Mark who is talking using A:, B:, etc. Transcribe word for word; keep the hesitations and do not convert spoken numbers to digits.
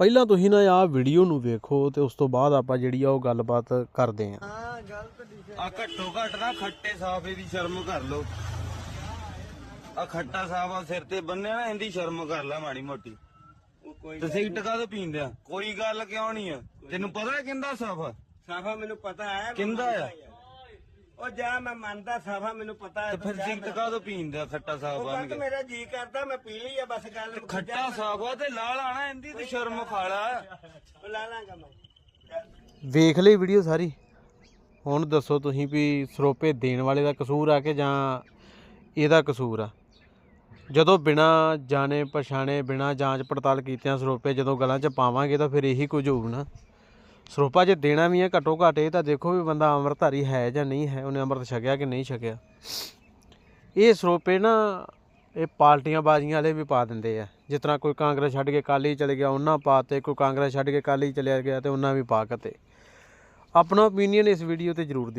A: ਪਹਿਲਾਂ ਤੁਸੀਂ ਨਾ ਆਹ ਵੀਡੀਓ ਨੂੰ ਵੇਖੋ ਤੇ ਉਸ ਤੋਂ ਬਾਅਦ ਆਪਾਂ ਜਿਹੜੀ ਆ ਉਹ ਗੱਲਬਾਤ ਕਰਦੇ ਆਂ।
B: ਹਾਂ ਗਲਤ ਆ ਘੱਟੋ ਘੱਟ ਨਾ ਖੱਟੇ ਸਾਫੇ ਦੀ ਸ਼ਰਮ ਕਰ ਲੋ। ਆ ਖੱਟਾ ਸਾਫਾ ਸਿਰ ਤੇ ਬੰਨਿਆ ਨਾ ਇਹਦੀ ਸ਼ਰਮ ਕਰ ਲੈ ਮਾੜੀ ਮੋਟੀ। ਤੇ ਸਿਗਰਟ ਕਾਹਦੋਂ ਪੀਂਦੇ ਆ? ਕੋਈ ਗੱਲ ਕਿਉਂ ਨਹੀਂ ਆ? ਤੈਨੂੰ ਪਤਾ ਹੈ ਕਿੰਦਾ ਸਾਫਾ?
C: ਸਾਫਾ ਮੈਨੂੰ ਪਤਾ ਹੈ
B: ਕਿੰਦਾ ਆ?
C: ਉਹ ਜਾ ਮੈਂ ਮੰਨਦਾ ਸਾਫਾ ਮੈਨੂੰ ਪਤਾ ਹੈ।
B: ਤੇ ਫਿਰ ਸਿਗਰਟ ਕਾਹਦੋਂ ਪੀਂਦੇ ਆ ਖੱਟਾ ਸਾਫਾ ਬੰਨ ਕੇ?
C: ਮੇਰਾ ਜੀ ਕਰਦਾ ਮੈਂ ਪੀ ਲਈ ਆ ਬਸ ਗੱਲ।
B: ਖੱਟਾ ਸਾਫਾ ਤੇ ਲਾਲ ਆਣਾ ਇਹਦੀ ਤੇ ਸ਼ਰਮ ਖਾਲਾ।
C: ਉਹ ਲਾ ਲਾਂਗਾ ਮੈਂ।
A: ਵੇਖ ਲਈ ਵੀਡੀਓ ਸਾਰੀ। ਹੁਣ ਦੱਸੋ ਤੁਸੀਂ ਵੀ ਸਰੋਪੇ ਦੇਣ ਵਾਲੇ ਦਾ ਕਸੂਰ ਆ ਕਿ ਜਾਂ ਇਹਦਾ ਕਸੂਰ ਆ? ਜਦੋਂ ਬਿਨਾਂ ਜਾਣੇ ਪਛਾਣੇ ਬਿਨਾਂ ਜਾਂਚ ਪੜਤਾਲ ਕੀਤਿਆਂ ਸਰੋਪੇ ਜਦੋਂ ਗਲਾਂ 'ਚ ਪਾਵਾਂਗੇ ਤਾਂ ਫਿਰ ਇਹੀ ਕੁਝ ਹੋਊ ਨਾ। ਸਰੋਪਾ ਜੇ ਦੇਣਾ ਵੀ ਹੈ ਘੱਟੋ ਘੱਟ ਇਹ ਤਾਂ ਦੇਖੋ ਵੀ ਬੰਦਾ ਅੰਮ੍ਰਿਤਧਾਰੀ ਹੈ ਜਾਂ ਨਹੀਂ ਹੈ, ਉਹਨੇ ਅੰਮ੍ਰਿਤ ਛਕਿਆ ਕਿ ਨਹੀਂ ਛਕਿਆ। ਇਹ ਸਰੋਪੇ ਨਾ ਇਹ ਪਾਰਟੀਆਂ ਬਾਜ਼ੀਆਂ ਵਾਲੇ ਵੀ ਪਾ ਦਿੰਦੇ ਆ। ਜਿਸ ਤਰ੍ਹਾਂ ਕੋਈ ਕਾਂਗਰਸ ਛੱਡ ਕੇ ਅਕਾਲੀ ਚਲੇ ਗਿਆ ਉਹਨਾਂ ਪਾ ਤੇ, ਕੋਈ ਕਾਂਗਰਸ ਛੱਡ ਕੇ ਅਕਾਲੀ ਚਲਿਆ ਗਿਆ ਤੇ ਉਹਨਾਂ ਵੀ ਪਾ ਕੇ। ਆਪਣਾ ਓਪੀਨੀਅਨ ਇਸ ਵੀਡੀਓ ਤੇ ਜ਼ਰੂਰ ਦਿਓ।